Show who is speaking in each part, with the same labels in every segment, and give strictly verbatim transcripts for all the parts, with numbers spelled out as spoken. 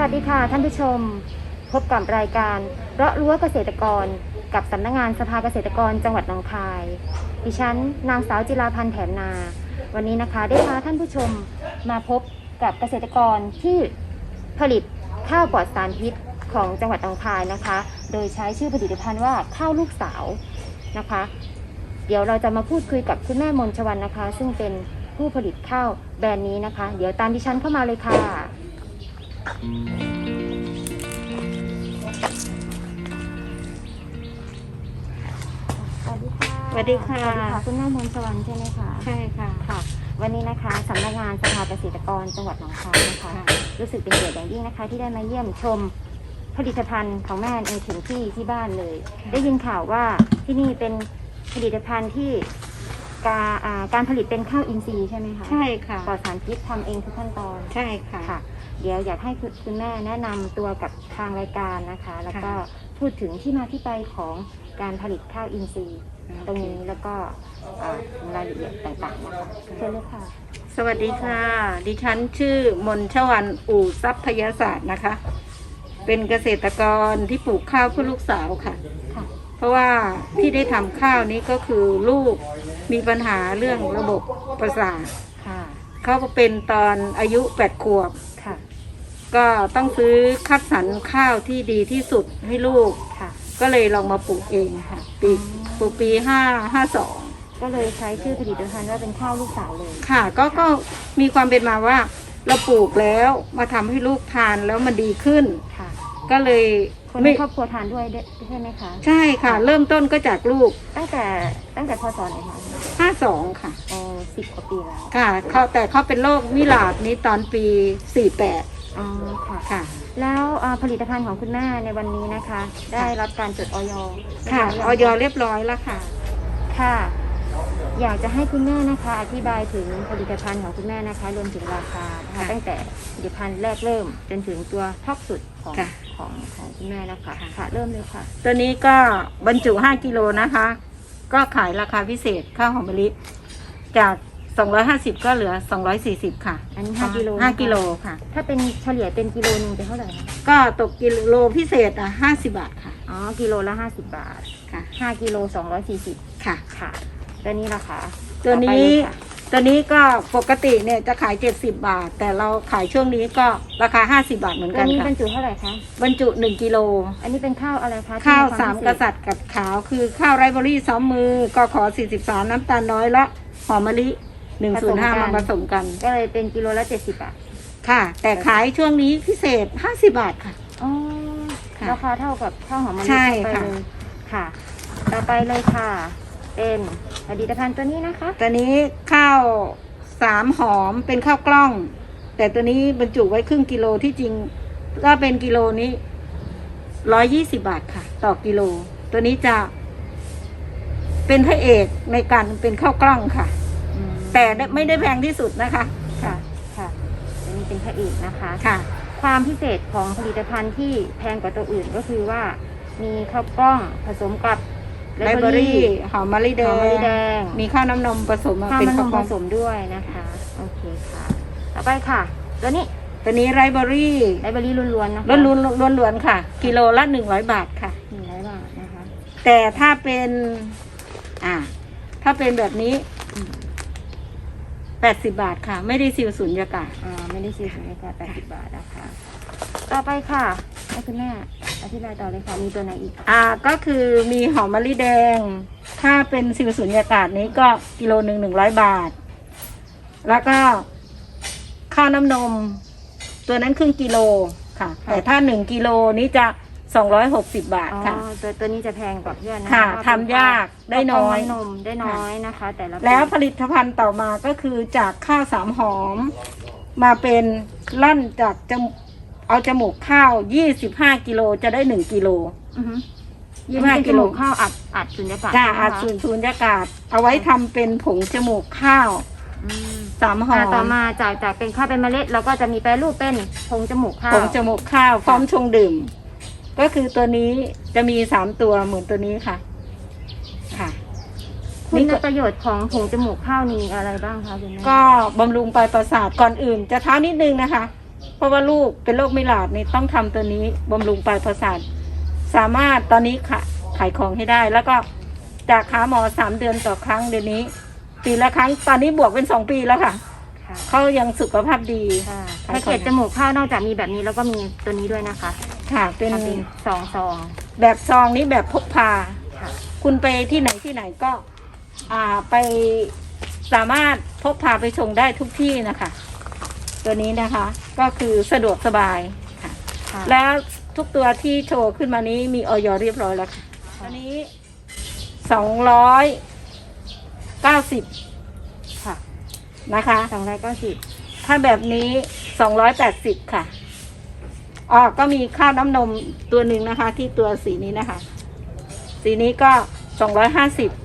Speaker 1: วัสดีค่ะท่านผู้ชมพบกับรายการเราะรั้วเกษตรกรกับสำนักงานสภาเกษตรกรจังหวัดหนองคายดิฉันนางสาวจิราพันธ์แถมนาวันนี้นะคะได้พาท่านผู้ชมมาพบกับเกษตรกรที่ผลิตข้าวปลอดสารพิษของจังหวัดหนองคายนะคะโดยใช้ชื่อผลิตภัณฑ์ว่าข้าวลูกสาวนะคะเดี๋ยวเราจะมาพูดคุยกับคุณแม่มนชวรรณนะคะซึ่งเป็นผู้ผลิตข้าวแบรนด์นี้นะคะเดี๋ยวตามดิฉันเข้ามาเลยค่ะสวัสดีค่ะ
Speaker 2: สวัสดีค่ะ
Speaker 1: คุณแม่มนชวรรณใช่ไหมคะ
Speaker 2: ใช่ค่ะ
Speaker 1: ค่ะวันนี้นะคะสำนักงานสภาเกษตรกรจังหวัดหนองคายนะคะรู้สึกเป็นเกียรติอย่างยิ่งนะคะที่ได้มาเยี่ยมชมผลิตภัณฑ์ของแม่ในถึงที่ที่บ้านเลยได้ยินข่าวว่าที่นี่เป็นผลิตภัณฑ์ที่การการผลิตเป็นข้าวอินทรีย์ใช่ไหมคะ
Speaker 2: ใช่ค่ะ
Speaker 1: ปลอดสารพิษทำเองทุกขั้นตอน
Speaker 2: ใช่ค่ะ
Speaker 1: ค่ะเดี๋ยวอยากให้คุณแม่แนะนำตัวกับทางรายการนะคะแล้วก็พูดถึงที่มาที่ไปของการผลิตข้าวอินทรีย์ตรงนี้แล้วก็รายละเอียดต่างๆนะคะเชิญเลยค่ะ
Speaker 2: สวัสดีค่ะดิฉันชื่อมนชวรรณอู่ทรัพยศาสตร์นะคะเป็นเกษตรกรที่ปลูกข้าวเพื่อลูกสาวค่ะเพราะว่าที่ได้ทำข้าวนี้ก็คือลูกมีปัญหาเรื่องระบบประสาทเขาเป็นตอนอายุแปดขวบก็ต้องซื้อคัดสรรข้าวที่ดีที่สุดให้ลูกก็เลยลองมาปลูกเองค่ะปีปลูกปีห้าห้าสอง
Speaker 1: ก็เลยใช้ชื่อผลิตภัณฑ์ว่าเป็นข้าวลูกสาวเลย
Speaker 2: ค่ะก็ก็มีความเป็นมาว่าเราปลูกแล้วมาทำให้ลูกทานแล้วมันดีขึ้น
Speaker 1: ค่ะ
Speaker 2: ก็เลย
Speaker 1: คนในครอบครัวทานด้วยใช่ไหมคะ
Speaker 2: ใช่ค่ะเริ่มต้นก็จากลูก
Speaker 1: ตั้งแต่ตั้งแต่พศไหนคะ
Speaker 2: ห้าสองค่ะ
Speaker 1: อ๋อสิบกว่าปีแล้ว
Speaker 2: ค่ะเขาแต่เขาเป็นโรคมิลาดนี้ตอนปีสี่แปด
Speaker 1: อ๋อค่ะ
Speaker 2: ค่ะ
Speaker 1: แล้วผลิตภัณฑ์ของคุณแม่ในวันนี้นะคะได้รับการจดอย.
Speaker 2: ค่ะอย.เรียบร้อยแล้วค่ะ
Speaker 1: ค่ะอยากจะให้คุณแม่นะคะอธิบายถึงผลิตภัณฑ์ของคุณแม่นะคะรวมถึงราคานะคะตั้งแต่ผลิตภัณฑ์แรกเริ่มจนถึงตัวท็อปสุดของของของคุณแม่นะคะค่ะเริ่มเลยค่ะ
Speaker 2: ตัวนี้ก็บรรจุห้ากิโลนะคะก็ขายราคาพิเศษข้าวหอมมะลิจากสองร้อยห้าสิบก็เหลือสองร้อยสี่สิบค่ะ
Speaker 1: อันนี้ห้ากิโล
Speaker 2: ห้ากิโลค่ะ
Speaker 1: ถ้าเป็นเฉลี่ยเป็นกิโลนึงเป็นเท่าไหร่คะ
Speaker 2: ก็ตกกิโลพิเศษอ่ะห้าสิบบาทค่ะ
Speaker 1: อ๋อกิโลละห้าสิบบาท
Speaker 2: ค่ะ
Speaker 1: ห้ากิโลสองร้อยสี่สิบ
Speaker 2: ค่ะ
Speaker 1: ค่ะตัวนี้ราคา
Speaker 2: ตัวนี้ตัวนี้ก็ปกติเนี่ยจะขายเจ็ดสิบบาทแต่เราขายช่วงนี้ก็ราคาห้าสิบบาทเหมือนกันค่ะ
Speaker 1: ตัวนี้บรรจุเท่าไหร่คะ
Speaker 2: บรรจุหนึ่งกิโล
Speaker 1: อันนี้เป็นข้าวอะไรคะ
Speaker 2: ข้าวสามกษัตริย์กับขาวคือข้าวไรซ์เบอรี่ซ้อมมือก็ขอสี่สิบสามน้ำตาลน้อยและหอมมะลิหนึ่งศูนย์ห้ามาผสมกัน
Speaker 1: ก็เลยเป็นกิโลละเจ็ดสิบบาท
Speaker 2: ค่ะแต่ขายช่วงนี้พิเศษห้าสิบบาทค่ะ
Speaker 1: อ๋อราคาเท่ากับข้าวหอมมะลิ
Speaker 2: ใช่
Speaker 1: ค่ะค่ะต่อไปเลยค่ะเป็นผลิตภัณฑ์ตัวนี้นะคะ
Speaker 2: ตัวนี้ข้าวสามหอมเป็นข้าวกล้องแต่ตัวนี้บรรจุไว้ครึ่งกิโลที่จริงก็เป็นกิโลนี้ร้อยยี่สิบบาทค่ะต่อกิโลตัวนี้จะเป็นพระเอกในการเป็นข้าวกล้องค่ะแต่ไม่ได้แพงที่สุดนะคะ
Speaker 1: ค่ะค่ะตัวนี้เป็นพระเอกนะคะ
Speaker 2: ค่ะ
Speaker 1: ความพิเศษของผลิตภัณฑ์ที่แพงกว่าตัวอื่นก็คือว่ามีข้าวกล้องผสมกับ
Speaker 2: ไรซ์เบอรี่หอมมะลิแดงมีข้าวน้ำนมผสม
Speaker 1: ข้าวน้ำนมผสมด้วยนะคะโอเคค่ะต่อไปค่ะตัวนี้
Speaker 2: ตัวนี้ไรซ์เบอรี่
Speaker 1: ไรซ์เบอรี่ล้วนๆนะคะ
Speaker 2: ล้วนๆล้วนๆค่ะกิโลละหนึ่งร้อยบาทค่ะ
Speaker 1: หนึ่งร้อยบาทนะคะ
Speaker 2: แต่ถ้าเป็นอ่าถ้าเป็นแบบนี้แปดสิบบาทค่ะไม่ได้ซีลสุญญากาศ
Speaker 1: อ่าไม่ได้ซีลสุญญากาศแปดสิบบาทนะคะต่อไปค่ะให้คุณแม่อธิบายต่อเลยค่ะมีตัวไหนอีก
Speaker 2: อ่าก็คือมีหอมมะลิแดงถ้าเป็นซีลสุญญากาศนี้ก็กิโลหนึ่งหนึ่งร้อยบาทแล้วก็ข้าวน้ำนมตัวนั้นครึ่งกิโลค่ะแต่ถ้าหนึ่งกิโลนี้จะสองร้อยหกสิบบาทค่ะ
Speaker 1: ตัวตัวนี้จะแพงกว่าเพื่อน
Speaker 2: ค่ะทำยากได้น้อย
Speaker 1: นมได้น้อยนะคะแต่ละ
Speaker 2: แล้วผลิตภัณฑ์ต่อมาก็คือจากข้าวสามหอมมาเป็นลั่นจากจมเอาจมูกข้าวยี่สิบห้ากิโลจะได้หนึ่งกิโล
Speaker 1: ยี่สิบห้ากิโลข้าวอัดอัดสุญญากาศ
Speaker 2: จ้าอัดสุญญากาศเอาไว้ทำเป็นผงจมูกข้าวสามห่อ
Speaker 1: ต่อมาจากจากเป็นข้าวเป็นเมล็ดเราก็จะมีแปรรูปเป็นผงจมูกข้าว
Speaker 2: ผงจมูกข้าวพร้อมชงดื่มก็คือตัวนี้จะมีสามตัวเหมือนตัวนี้ค่ะค่ะ
Speaker 1: คุณประโยชน์ของผงจมูกข้าวมีอะไรบ้างคะคุณแม่
Speaker 2: ก็บำรุงปลายประสาทก่อนอื่นจะเท้านิดนึงนะคะเพราะว่าลูกเป็นโรคไม่หลาดนี่ต้องทำตัวนี้บำรุงปลายประสาทสามารถตอนนี้ขายขายของให้ได้ แล้วก็จากหาหมอสามเดือนต่อครั้งเดี๋ยวนี้ ปีละครั้งตอนนี้บวกเป็นสองปีแล้วค่ะ
Speaker 1: ค่ะ
Speaker 2: เขายังสุขภาพดี
Speaker 1: ค่ะแพ็กเกจจมูกข้าวนอกจากมีแบบนี้แล้วก็มีตัวนี้ด้วยนะคะ
Speaker 2: ค่ะเป็น
Speaker 1: ทำเป็นซองซอง
Speaker 2: แบบซองนี้แบบพกพา
Speaker 1: ค่ะ
Speaker 2: คุณไปที่ไหนที่ไหนก็ อ่าไปสามารถพกพาไปส่งได้ทุกที่นะคะ ตัวนี้นะคะ ก็คือสะดวกสบายค่ะ
Speaker 1: ค่ะ
Speaker 2: แล้วทุกตัวที่โชว์ขึ้นมานี้มีออยเรียบร้อยแล้วค่ะอันนี้สองร้อยเก้าสิบ
Speaker 1: ค่ะ
Speaker 2: นะคะ
Speaker 1: สองร้อยเก้าสิบ
Speaker 2: ถ้าแบบนี้สองร้อยแปดสิบค่ะอ๋อก็มีข้าวน้ำนมตัวหนึ่งนะคะ ที่ตัวสีนี้นะคะ สีนี้ก็สองร้อยห้าสิบ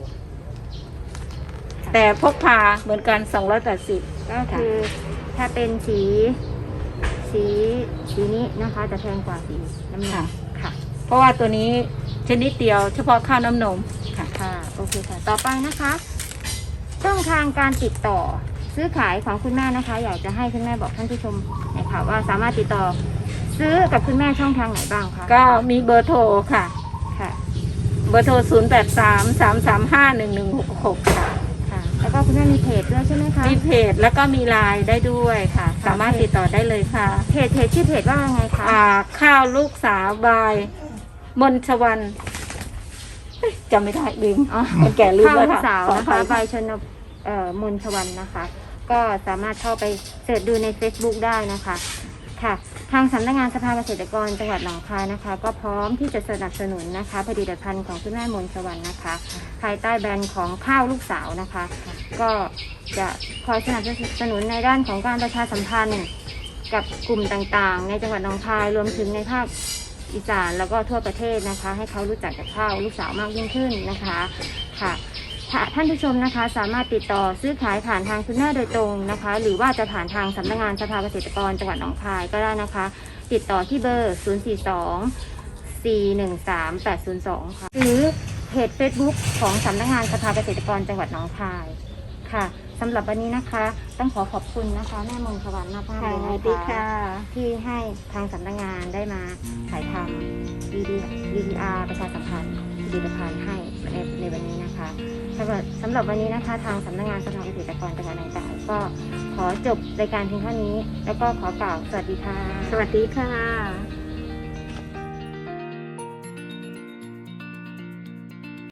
Speaker 2: แต่พกพาเหมือนกันสองร้อยแปดสิบ
Speaker 1: ก็คือถ้าเป็นสีสีสีนี้นะคะจะแพงกว่าสีน้ำเงินค่ะ
Speaker 2: เพราะว่าตัวนี้ชนิดเดียวเฉพาะข้าวน้ำนมค่ะ
Speaker 1: ค่ะโอเคค่ะ ต่อไปนะคะช่องทางการติดต่อซื้อขายของคุณแม่นะคะ อยากจะให้คุณแม่บอกท่านผู้ชมหน่อยค่ะว่าสามารถติดต่อซื้อกับคุณแม่ช่องทางไหนบ้างคะ
Speaker 2: ก็มีเบอร์โทรค่ะ
Speaker 1: ค่ะ
Speaker 2: เบอร์โทรศูนย์แปดสาม สามสามห้า หนึ่งหนึ่งหกหกค่ะ
Speaker 1: ค่ะ แล้วก็คุณแม่มีเพจด้วยใช่ไหมคะ
Speaker 2: มีเพจแล้วก็มีไลน์ได้ด้วยค่ะ สามารถติดต่อได้เลยค่ะ
Speaker 1: เพจเพจชื่อเพจว่าไงคะ
Speaker 2: อ่าข้าวลูกสาวบายมนชวันเอ้ยจำไม่ได้ลืม
Speaker 1: อ๋อ
Speaker 2: คนแก่ลืม
Speaker 1: ข้าว
Speaker 2: แล้ว
Speaker 1: ลูก
Speaker 2: ค่ะ
Speaker 1: สาว
Speaker 2: ขอ
Speaker 1: นะ
Speaker 2: อภั
Speaker 1: คะ
Speaker 2: ย
Speaker 1: ใบชนบเอ่อมนชวันนะคะ ก็สามารถเข้าไปเสิร์ชดูใน Facebook ได้นะคะค่ะ ทางสำนักงานสภาเกษตรกรจังหวัดหนองคายนะคะ ก็พร้อมที่จะสนับสนุนนะคะผลิตภัณฑ์ของคุณแม่มนชวันนะคะ ภายใต้แบรนด์ของข้าวลูกสาวนะคะ ก็จะคอยสนับสนุนในด้านของการประชาสัมพันธ์กับกลุ่มต่างๆ ในจังหวัดหนองคายรวมถึงในภาคอีสานแล้วก็ทั่วประเทศนะคะ ให้เขารู้จักกับข้าวลูกสาวมากยิ่งขึ้นนะคะค่ะถ้าท่านผู้ชมนะคะ สามารถติดต่อซื้อขายผ่านทางคุณแม่โดยตรงนะคะ หรือว่าจะผ่านทางสำนักงานสภาเกษตรกรจังหวัดหนองคายก็ได้นะคะ ติดต่อที่เบอร์ ศูนย์ สี่ สอง สี่ หนึ่ง สาม แปด ศูนย์ สอง ค่ะ หรือเพจ Facebook ของสำนักงานสภาเกษตรกรจังหวัดหนองคายค่ะสำหรับวันนี้นะคะ ต้องขอขอบคุณนะคะ แม่มงคลวันมากๆ
Speaker 2: ค่ะ
Speaker 1: เลย
Speaker 2: ส
Speaker 1: นะ
Speaker 2: วัสดี
Speaker 1: คะ
Speaker 2: ค่ะ
Speaker 1: ที่ให้ทางสำนักงานได้มาถ่ายทำ วี ดี วี ดี อาร์ ประชาสัมพันธ์ผลิตภัณฑ์ให้ในในวันนี้นะคะสำหรับสำหรับวันนี้นะคะ ทางสำนักงานสภาเกษตรกรจังหวัดหนองคายก็ขอจบรายการเพียงเท่านี้ แล้วก็ขอกล่าวสวัสดีค่ะ
Speaker 2: สวัสดีค่ะ